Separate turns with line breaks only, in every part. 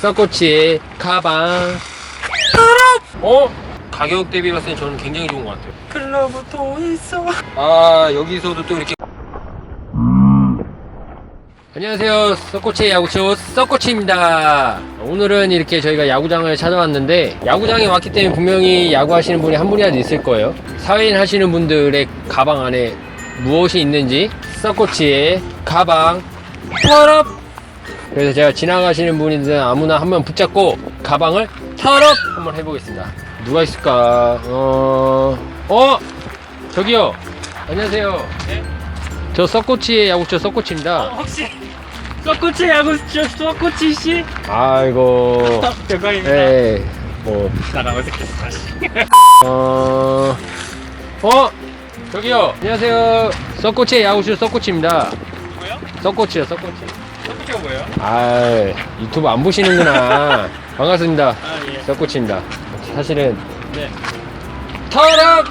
서코치의 가방. 가격 대비 봤을 때 저는 굉장히 좋은 것 같아요.
글러브 또 있어.
여기서도 또 이렇게. 안녕하세요, 서코치의 야구쇼 서코치입니다. 오늘은 이렇게 저희가 야구장을 찾아왔는데, 야구장에 왔기 때문에 분명히 야구하시는 분이 한 분이라도 있을 거예요. 사회인 하시는 분들의 가방 안에 무엇이 있는지 서코치의 가방 털업. 그래서 제가 지나가시는 분이든 아무나 한번 붙잡고 가방을 털업 한번 해보겠습니다. 누가 있을까? 저기요. 안녕하세요.
네?
저 서코치의 야구쇼 서코치입니다.
혹시 서코치 야구쇼 서코치 씨?
아이고.
대박입니다.
네. 뭐.
나랑 어색해서 다시.
저기요. 안녕하세요. 서코치의 야구쇼 서코치입니다.
뭐요?
서코치요, 서코치.
서코치가 뭐예요?
유튜브 안 보시는구나. 반갑습니다.
아 예.
서코치입니다. 사실은
네.
털업!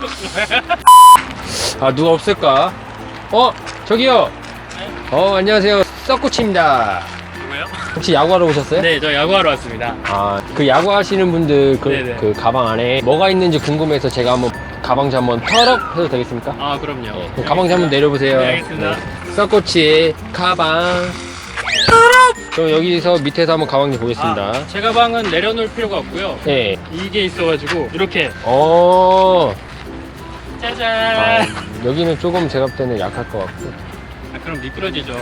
누가 없을까? 저기요.
네?
안녕하세요. 서코치입니다.
누구요?
혹시 야구하러 오셨어요?
네, 저 야구하러 왔습니다.
그 야구하시는 분들
네네.
그 가방 안에 뭐가 있는지 궁금해서 제가 한번 가방지 한번 털업 해도 되겠습니까?
아, 그럼요.
네, 그럼 가방지 한번 내려보세요.
네, 알겠습니다.
서코치의 가방 털업! 그럼 여기서 밑에서 한번 가방지 보겠습니다.
제 가방은 내려놓을 필요가 없고요.
네.
이게 있어가지고 이렇게 짜잔.
여기는 조금 제가 볼 때는 약할 것 같고.
그럼 미끄러지죠.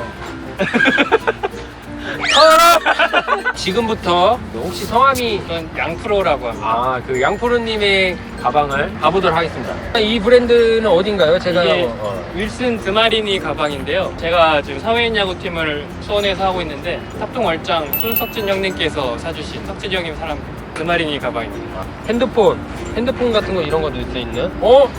지금부터 혹시 성함이
이건 양프로라고 합니다.
그 양푸르님의 가방을 가보도록 하겠습니다. 이 브랜드는 어딘가요? 제가
이게 윌슨 드마리니 가방인데요. 제가 지금 사회인 야구팀을 수원에서 하고 있는데 탑동월장 손석진 형님께서 사주신 석진 형님 사람 드마리니 가방입니다.
핸드폰 같은 거 이런 것도 있는?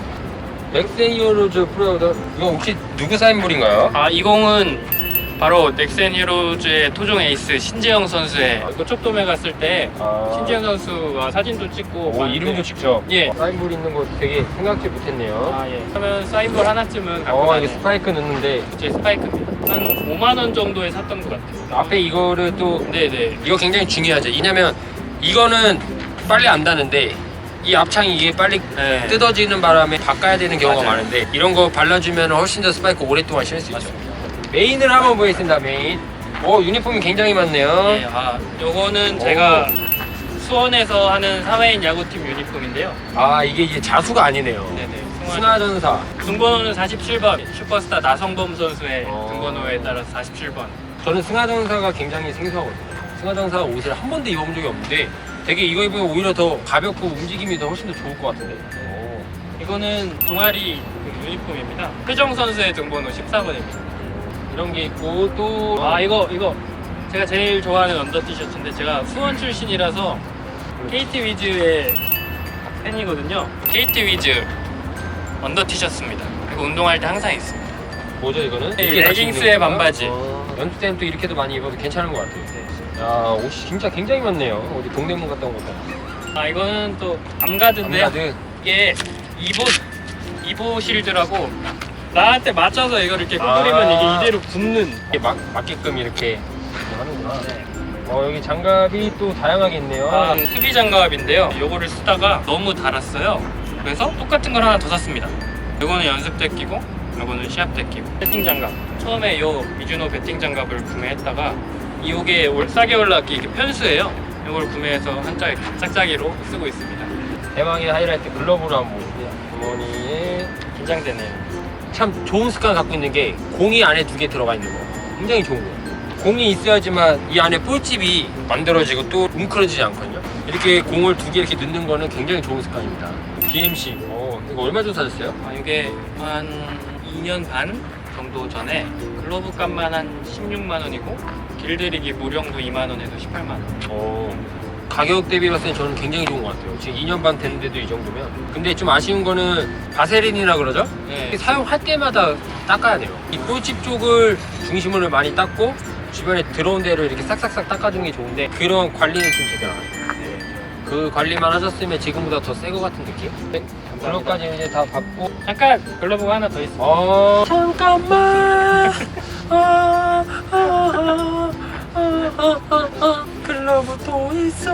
넥센히어로즈 프로드. 이거 혹시 누구 사인볼인가요?
이 공은 바로 넥센 히어로즈의 토종 에이스 신재영 선수의 고척돔에 갔을 때 신재영 선수와 사진도 찍고
이름도 직접.
예.
사인볼 있는 거 되게 생각지 못했네요.
예. 그러면 사인볼 하나쯤은 갖고
이게
가는
스파이크 넣는데
제 스파이크입니다. 한 5만 원 정도에 샀던 것 같아요.
앞에 이거를 또
네네.
이거 굉장히 중요하죠. 왜냐면 이거는 빨리 안 닿는데 이 앞창이 이게 빨리
네.
뜯어지는 바람에 바꿔야 되는 경우가
맞아요.
많은데 이런 거 발라주면 훨씬 더 스파이크 오랫동안 신을 수 있죠. 메인을 한번 보겠습니다. 메인. 유니폼이 굉장히 많네요.
예, 요거는 제가 수원에서 하는 사회인 야구팀 유니폼인데요.
이게 이제 자수가 아니네요.
네네.
승하전사.
등번호는 47번. 슈퍼스타 나성범 선수의
어.
등번호에 따라서 47번.
저는 승하전사가 굉장히 생소하거든요. 승하전사 옷을 한 번도 입어본 적이 없는데 되게 이거 입으면 오히려 더 가볍고 움직임이 더 훨씬 더 좋을 것 같은데.
이거는 동아리 그 유니폼입니다. 표정 선수의 등번호 14번입니다.
이런 게 있고 또
이거 제가 제일 좋아하는 언더 티셔츠인데 제가 수원 출신이라서 KT 위즈의 팬이거든요. KT 위즈 언더 티셔츠입니다. 이거 운동할 때 항상 있습니다.
뭐죠 이거는?
네,
이렇게 같이
레깅스에
입는 건가요?
반바지.
연습 때는 또 이렇게도 많이 입어도 괜찮은 것 같아요. 옷이 진짜 굉장히 많네요. 어디 동대문 갔다 온 것 같아요.
이거는 또 암가드인데요.
암가드.
이게 이보 실드라고 나한테 맞춰서 이걸 이렇게 구부리면 이게 이대로 붙는.
이게 맞게끔 이렇게 하는구나. 여기 장갑이 또 다양하게 있네요.
수비 장갑인데요. 요거를 쓰다가 너무 달았어요. 그래서 똑같은 걸 하나 더 샀습니다. 요거는 연습 때 끼고 요거는 시합 때 끼고. 배팅 장갑. 처음에 요 미즈노 배팅 장갑을 구매했다가 이게 싸게 올라왔기 이게 편수예요. 이걸 구매해서 한 짝에 짝짝이로 쓰고 있습니다.
대망의 하이라이트 글러브를 한번 보세요. 주머니에
긴장되네요.
참 좋은 습관 갖고 있는 게 공이 안에 2개 들어가 있는 거. 굉장히 좋은 거예요. 공이 있어야지만 이 안에 볼집이 만들어지고 또 뭉클어지지 않거든요. 이렇게 공을 2개 이렇게 넣는 거는 굉장히 좋은 습관입니다. BMC. 이거 얼마 전에 사셨어요?
이게 한 2년 반 정도 전에 글러브 값만 한 16만 원이고 길들이기 무령도 2만 원에서 18만 원.
가격 대비 봤을 때 저는 굉장히 좋은 것 같아요. 지금 2년 반 됐는데도 이 정도면. 근데 좀 아쉬운 거는 바세린이라 그러죠?
네.
사용할 때마다 닦아야 돼요. 이 볼집 쪽을 중심으로 많이 닦고 주변에 들어온 데를 이렇게 싹싹싹 닦아주는 게 좋은데 그런 관리는 좀 제대로 안 해요. 그 관리만 하셨으면 지금보다 더 새 거 같은 느낌? 네, 글러브까지 이제 다 받고.
잠깐 글러브가 하나 더 있습니다.
잠깐만. 글러브 또 있어.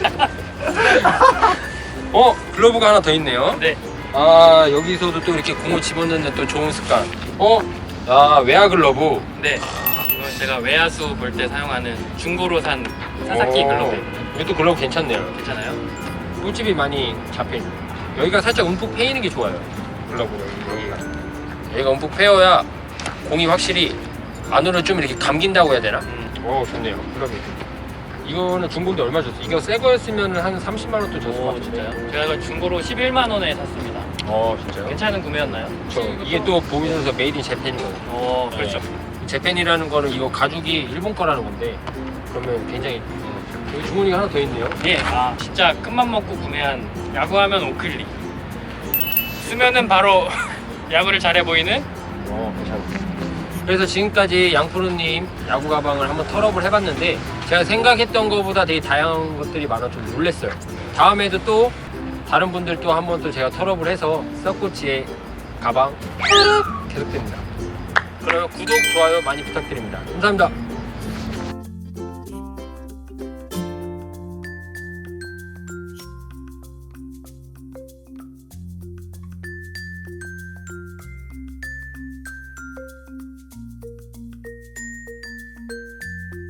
글러브가 하나 더 있네요.
네.
아, 여기서도 또 이렇게 공을 집어넣는 또 좋은 습관. 외야 글러브.
네. 이건 제가 외야수 볼 때 사용하는 중고로 산 사사키 글러브입니다.
이것도 글러브 괜찮네요.
괜찮아요?
꿀집이 많이 잡혀있네. 여기가 살짝 움푹 패이는 게 좋아요. 글러브는 여기가. 여기가 움푹 패여야 공이 확실히 안으로 좀 이렇게 감긴다고 해야 되나? 좋네요. 글러브. 이거는 중고인데 얼마 줬어? 이거 새 거였으면 한 30만 원 또 줬을 것 같은데.
진짜요? 제가 이걸 중고로 11만 원에 샀습니다.
진짜요?
괜찮은 구매였나요?
이게 또 보면서 메이드 인 재팬이거든요.
그렇죠.
재팬이라는 거는 이거 가죽이 일본 거라는 건데 그러면 굉장히 여기 주머니가 하나 더 있네요.
예, 진짜 큰맘 먹고 구매한 야구하면 오클리. 쓰면은 바로 야구를 잘해 보이는.
괜찮네. 그래서 지금까지 양프로님 야구 가방을 한번 털업을 해봤는데 제가 생각했던 것보다 되게 다양한 것들이 많아 좀 놀랬어요. 다음에도 또 다른 분들 또 한번 또 제가 털업을 해서 썩꼬치의 가방 계속됩니다. 그러면 구독, 좋아요 많이 부탁드립니다. 감사합니다.